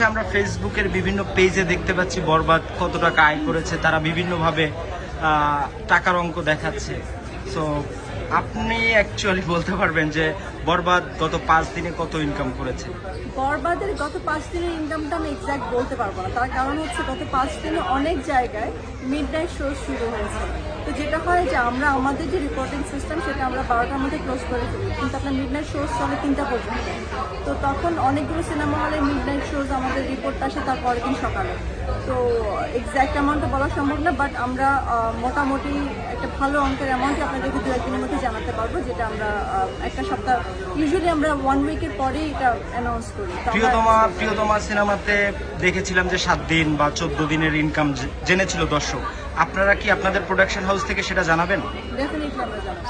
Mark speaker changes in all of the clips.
Speaker 1: আমরা ফেসবুকের বিভিন্ন পেজে দেখতে পাচ্ছি বরবাদ কত টাকা আয় করেছে, তারা বিভিন্নভাবে টাকার অঙ্ক দেখাচ্ছে। সো আপনি অ্যাকচুয়ালি বলতে পারবেন যে বরবাদ গত 5 দিনে কত ইনকাম করেছে?
Speaker 2: বরবাদের গত 5 দিনের ইনকামটা আমি এক্সাক্ট বলতে পারবো না, তার কারণ হচ্ছে গত 5 দিনে অনেক জায়গায় মিড নাইট শো শুরু হয়েছে। তো যেটা হয় যে আমরা আমাদের যে রিপোর্টিং সিস্টেম সেটা আমরা 12টার মধ্যে ক্লোজ করে ফেলি, কিন্তু আপনার মিড নাইট শো চলে 3টা পর্যন্ত। তো তখন অনেকগুলো সিনেমা হলে মিড নাইট শোজ আমাদের রিপোর্টটা আসে তার পরের দিন সকালে। তো এক্স্যাক্ট অ্যামাউন্টটা বলা সম্ভব না, বাট আমরা মোটামুটি একটা ভালো অঙ্কের অ্যামাউন্টই আপনাদেরকে 2-1 দিনের মধ্যে জানাতে পারবো, যেটা আমরা একটা সপ্তাহ ইউজুয়ালি আমরা 1 উইকের পরেই এটা অ্যানাউন্স করি।
Speaker 1: প্রিয়তমা সিনেমাতে দেখেছিলাম যে 7 দিন বা 14 দিনের ইনকাম জেনেছিল দর্শক। আপনারা কি আপনাদের প্রোডাকশন হাউস থেকে সেটা জানাবেন?
Speaker 2: ডেফিনেটলি আমরা জানাবো।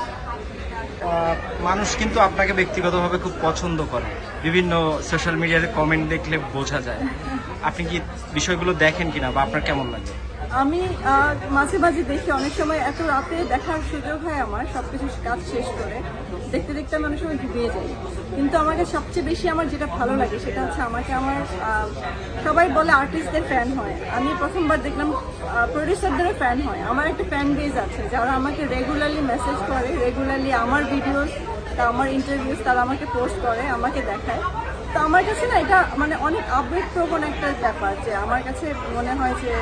Speaker 1: মানুষ কিন্তু আপনাকে ব্যক্তিগতভাবে খুব পছন্দ করে, বিভিন্ন সোশ্যাল মিডিয়াতে কমেন্ট দেখলে বোঝা যায়। আপনি কি বিষয়গুলো দেখেন কিনা বা আপনার কেমন লাগে?
Speaker 2: আমি মাঝে মাঝে দেখি, অনেক সময় এত রাতে দেখার সুযোগ হয় আমার, সবকিছু কাজ শেষ করে দেখতে দেখতে আমি অনেক সময় ঘুমিয়ে যাই। কিন্তু আমাকে সবচেয়ে বেশি আমার যেটা ভালো লাগে সেটা হচ্ছে আমাকে আমার সবাই বলে আর্টিস্টদের ফ্যান হয়, আমি প্রথমবার দেখলাম প্রডিউসারদেরও ফ্যান হয়। আমার একটা ফ্যান বেজ আছে যারা আমাকে রেগুলারলি মেসেজ করে, রেগুলারলি আমার ভিডিওস, আমার ইন্টারভিউস তারা আমাকে পোস্ট করে, আমাকে দেখায়। তো আমার কাছে না এটা মানে অনেক আবেগপ্রবণ একটা ব্যাপার, যে আমার কাছে মনে হয় যে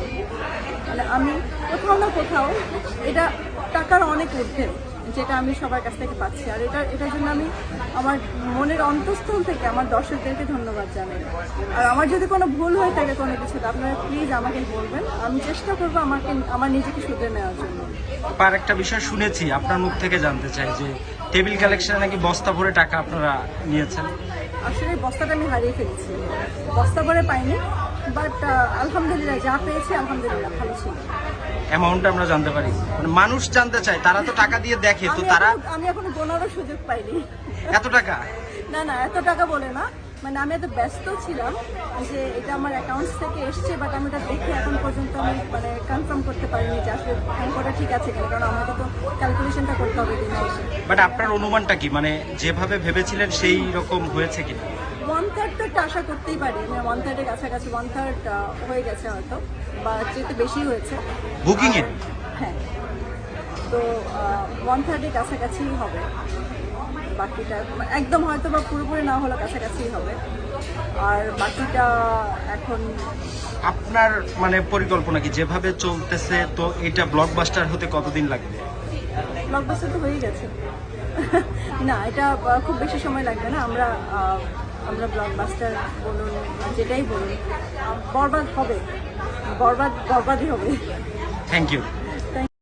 Speaker 2: মানে আমি কোথাও না কোথাও এটা টাকার অনেক ঊর্ধ্বে যেটা আমি সবার কাছ থেকে পাচ্ছি। আর এটার জন্য আমি আমার মনের অন্তঃস্থল থেকে আমার দর্শকদেরকে ধন্যবাদ জানাই। আর আমার যদি কোনো ভুল হয়ে থাকে কোনো কিছুতে, আপনারা প্লিজ আমাকে বলবেন, আমি চেষ্টা করবো আমার নিজেকে শুধরে নেওয়ার জন্য।
Speaker 1: আর একটা বিষয় শুনেছি, আপনার মুখ থেকে জানতে চাই যে টেবিল কালেকশনে নাকি বস্তা ভরে টাকা আপনারা নিয়েছেন।
Speaker 2: আসলে বস্তাটা আমি হারিয়ে ফেলেছি, বস্তা ভরে পাইনি, বাট আলহামদুলিল্লাহ যা পেয়েছি আলহামদুলিল্লাহ ভালো ছিল।
Speaker 1: অ্যামাউন্ট আমরা জানতে পারি? মানে মানুষ জানতে চায়, তারা তো টাকা দিয়ে দেখে, তো তারা
Speaker 2: আমি এখনো গোনারও সুযোগ পাইনি।
Speaker 1: এত টাকা?
Speaker 2: না এত টাকা বলে না, মানে আমি এত ব্যস্ত ছিলাম যে এটা আমার অ্যাকাউন্টস থেকে এসছে, বাট আমি এটা দেখে এখন পর্যন্ত আমি মানে কনফার্ম করতে পারিনি যে আসলে অঙ্কটা ঠিক আছে কিনা, কারণ আমাকে তো ক্যালকুলেশনটা করতে হবে দিনে এসে।
Speaker 1: বাট আপনার অনুমানটা কি, মানে যেভাবে ভেবেছিলেন সেই রকম হয়েছে কিনা?
Speaker 2: 1/3 তো একটা আশা করতেই পারি, আমি 1/3 কাছাকাছি, 1/3 হয়ে গেছে হয়তো, বা যেহেতু বেশি হয়েছে
Speaker 1: বুকিং এ।
Speaker 2: হ্যাঁ, তো 1/3 কাছাকাছি হবে, বাকিটা একদম হয়তো বা পুরোপুরি না হলে কাছাকাছি হবে। আর বাকিটা এখন
Speaker 1: আপনার মানে পরিকল্পনা কি যেভাবে চলতেছে, তো এটা ব্লকবাস্টার হতে কতদিন লাগবে?
Speaker 2: ব্লকবাস্টার তো হয়ে গেছে। না, এটা খুব বেশি সময় লাগবে না। আমরা ব্লকবাস্টার বলুন যেটাই বলুন, বরবাদ হবে, বরবাদই হবে।
Speaker 1: Thank you.